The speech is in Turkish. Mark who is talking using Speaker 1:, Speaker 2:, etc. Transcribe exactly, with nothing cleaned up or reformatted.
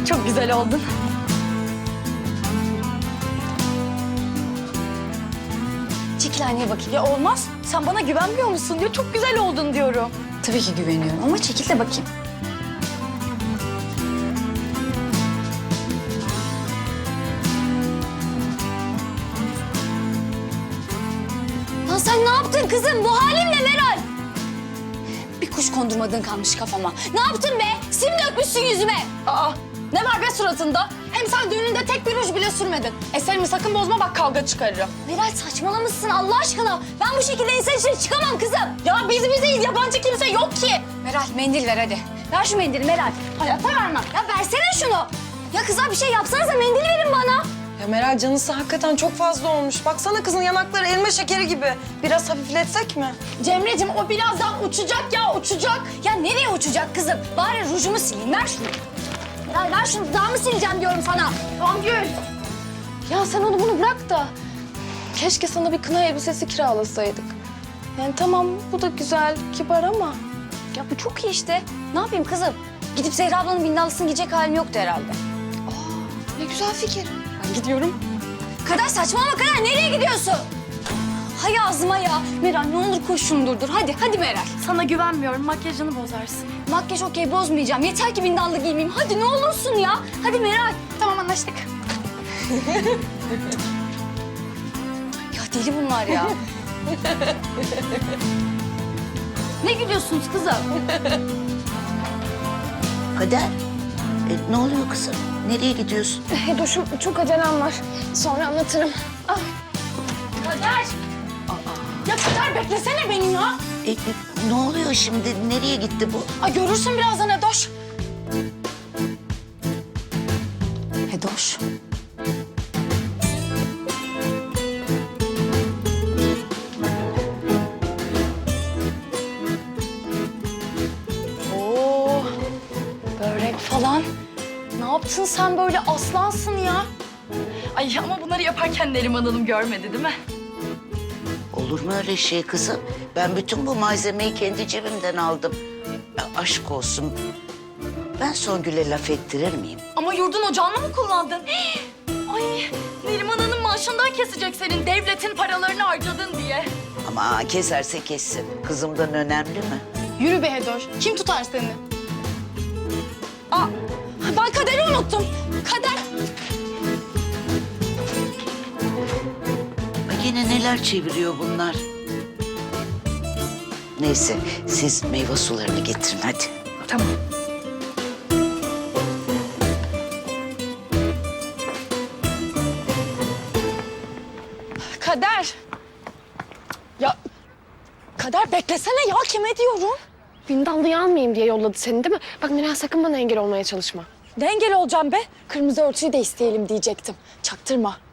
Speaker 1: Çok güzel oldun. Çekil aynaya bakayım. Ya olmaz. Sen bana güvenmiyor musun diyor. Çok güzel oldun diyorum. Tabii ki güveniyorum ama çekil de bakayım. Lan sen ne yaptın kızım? Bu halin ne Meral? Bir kuş kondurmadığın kalmış kafama. Ne yaptın be? Sim dökmüşsün yüzüme. Aa, ne var be suratında? Hem sen düğününde tek bir ruj bile sürmedin. Eserimi sakın bozma, bak kavga çıkarırım. Meral saçmalamışsın Allah aşkına. Ben bu şekilde insan içine çıkamam kızım. Ya biz bizeyiz, yabancı kimse yok ki. Meral mendil ver hadi. Ver şu mendili Meral. Hayatta vermem. Ya versene şunu. Ya kızlar bir şey yapsanıza, mendil verin bana.
Speaker 2: Ya Meral canısı hakikaten çok fazla olmuş. Baksana kızın yanakları elma şekeri gibi. Biraz hafifletsek mi?
Speaker 1: Cemre'cim o birazdan uçacak ya, uçacak. Ya nereye uçacak kızım? Bari rujumu sileyim, ver şunu. Ya ver şunu, daha mı sileceğim diyorum sana. Songül.
Speaker 3: Ya sen onu bunu bırak da keşke sana bir kına elbisesi kiralasaydık. Yani tamam bu da güzel, kibar ama
Speaker 1: Ya bu çok iyi işte. Ne yapayım kızım? Gidip Zehra ablanın bindallısını giyecek halim yoktu herhalde.
Speaker 3: ne güzel fikir.
Speaker 1: Ben gidiyorum. Kader saçmalama Kader, nereye gidiyorsun? Hay ağzıma ya. Meral ne olur koş şunu durdur. Hadi, hadi Meral.
Speaker 4: Sana güvenmiyorum, makyajını bozarsın.
Speaker 1: Makyaj okey, bozmayacağım. Yeter ki bindallı giymeyeyim. Hadi ne olursun ya. Hadi Meral.
Speaker 4: Tamam, anlaştık.
Speaker 1: Ya deli bunlar ya. Ne gülüyorsunuz kızım?
Speaker 5: Kader, e, ne oluyor kızım? Nereye gidiyorsun?
Speaker 3: Hedoş'um çok acelem var. Sonra anlatırım. Ah.
Speaker 1: Kader. Ya Kader beklesene beni ya.
Speaker 5: E, e, ne oluyor şimdi? Nereye gitti bu?
Speaker 1: Ay görürsün birazdan Hedoş. Hedoş. Oo, börek falan. Ne yaptın sen böyle, aslansın ya?
Speaker 4: Ay ama bunları yaparken Neriman Hanım görmedi değil mi?
Speaker 5: Olur mu öyle şey kızım? Ben bütün bu malzemeyi kendi cebimden aldım. E, aşk olsun. Ben Songül'e laf ettirir miyim?
Speaker 4: Ama yurdun ocağını mı kullandın? Hii! Ay Neriman Hanım maaşından kesecek senin devletin paralarını harcadın diye.
Speaker 5: Ama keserse kessin. Kızımdan önemli mi?
Speaker 1: Yürü be Hedoş. Kim tutar seni? Aa, ben Kader'i unuttum. Kader.
Speaker 5: Ay, yine neler çeviriyor bunlar? Neyse, siz meyve sularını getirin hadi.
Speaker 4: Tamam.
Speaker 1: Kader. Ya Kader beklesene ya, kime diyorum?
Speaker 3: Bindallıyı almayayım diye yolladı seni değil mi? Bak Meral sakın bana engel olmaya çalışma.
Speaker 1: Ne engel olacağım be? Kırmızı örtüyü de isteyelim diyecektim. Çaktırma.